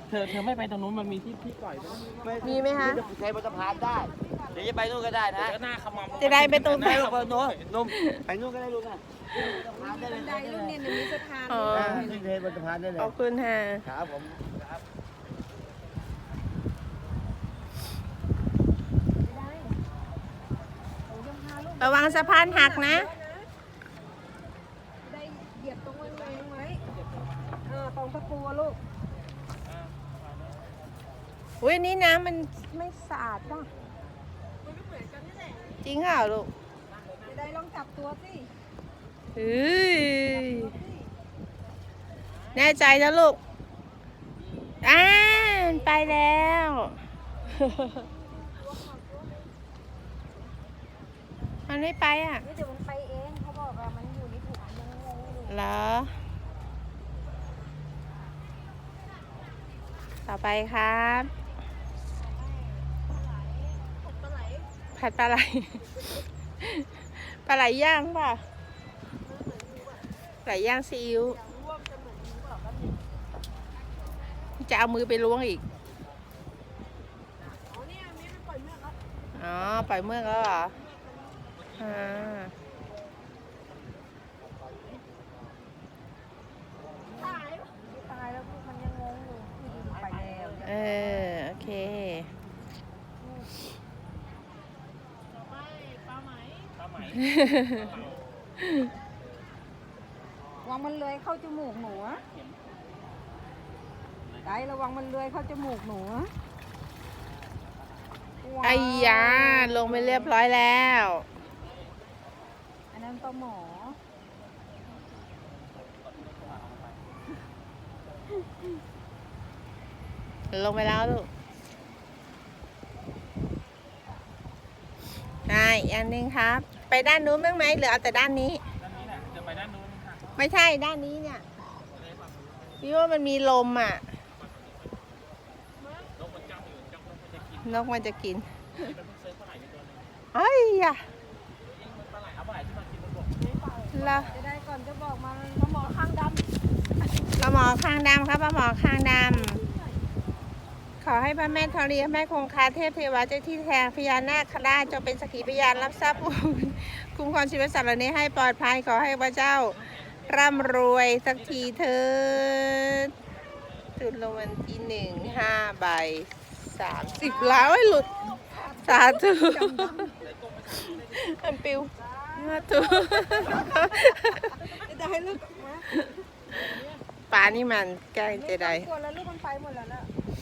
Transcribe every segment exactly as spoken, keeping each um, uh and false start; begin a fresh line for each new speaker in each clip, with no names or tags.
เธอเธอไม่ไปตรงนู้นมันมีที่ที่ปล่อยด้วย
มีไหมคะ
ใช้บนสะพานได้เดี๋ยวจะไปนู่นก็ได้นะ
เจอหน้าขมำ
จะได้ไปตรง
ไปลูกไปโน้นนุ่มไปนู่นก็ได้ลูกนะสะพานได้เลย
ได้ลูกเนี่ยหนูมีสะพาน
อ๋อ
ขึ้นเทบนสะพานได้เลย
ขอบคุณค่ะ
ครับผมครับ
ระวังสะพานหักนะ
ได้เหยียบตรงไว้ไว้ไว้เออตรงตะปูอะลูก
อุ้ยนี่น้ำมันไม่สะอาดป่ะ
มันก็เหมือนกันนี่แหละ
จริงเหรอลูก
จะได้ลองจับตัวสิ
เฮ้ยแน่ใจนะลูกอ่าไปแล้ว มันไม่ไปอ่ะ
นี่เดี๋ยวมันไปเองเขาบอกว่ามันอยู่ในถุงยังงงอยู่
เหรอ ต่อไปครับ
ปลาไหล
ผัดปลาไหล ปลาไหลย่างป่ะปลาไหลย่างซีอิ๊วจะเอามือไปล้วงอีก
อ๋อเนี่ยมีมันปล่อยเมือกแล้ว
อ๋อ ปล่อยเมือกแล้วเหรออ่า
ตายตายแล้วมันยังงงอยู่คือมันไปแล้ว
เออ โอเค
ปลาไหม
ระวังมันเลื้อยเข้าจมูกหนูอะได้ระวังมันเลื้อยเข้าจมูกหนูอะ
ไอ้ยาลงไปเรียบร้อยแล้ว
อันนั้นปลาหมอ
ลงไปแล้วลูกใช่อีกอันหนึงครับ ไปด้านนู้นบ้างไหมหรือเอาแต่ด้านนี้
ด้านนี้แหละเดี๋ยวไปด้านนู้นค่ะ
ไม่ใช่ด้านนี้เนี่ยพี่ว่ามันมีลมอ่ะ
นกมันจ้องอยู่จ้องมันจะกิน
นกมันจะกิน
นี่เป็นพวกเซิร์ฟปลาไหลในตัวนึง
เอ้ยอะ
ปลาไหลเอาปลาไหลที่มากินบนบก
ละ
จะได้ก่อนจะบอกมาปลาหมอข้างดำ
ปลาหมอคางดำครับปลาหมอคางดำขอให้พระแม่ธรณีแม่คงคาเทพเทวาเจ้าที่แทนพญานาคราชจงเป็นสักขีพยานรับทรัพย์ คุ้มครองชีวิตสัตว์เหล่านี้ให้ปลอดภัยขอให้พระเจ้าร่ำรวยสักทีเถิดตุนรางวัลที่หนึ่งห้าใบสามสิบล้านไว้หลุดสาธุอันปิวสาธุ
จะได้ลูกมา
ปลานี่มันใกล้จะได้
ตัวแล้วลูกมันไปหมดแล้วนะ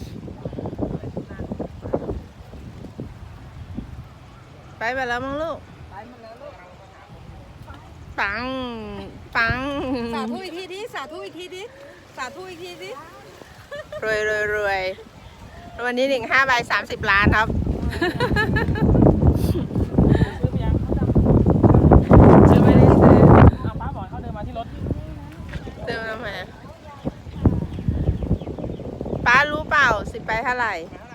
ไปไปแล้วมั้งลูก
ไปหมดแล้วลูก
ปัง ปัง
สาธุอีกทีดิสาธุอีกทีดิสาธุอีกทีดิ
รวยรวยรวยวันนี้หนึ่งห้าใบสามสิบล้านครับ
ซื้อไปยัง
จะไม่ได้ซื้อ
เอาป้าบอกให้เขาเดินมาที่รถ
เติมน้ำมาป้ารู้เปล่าสิบใบเท่าไหร่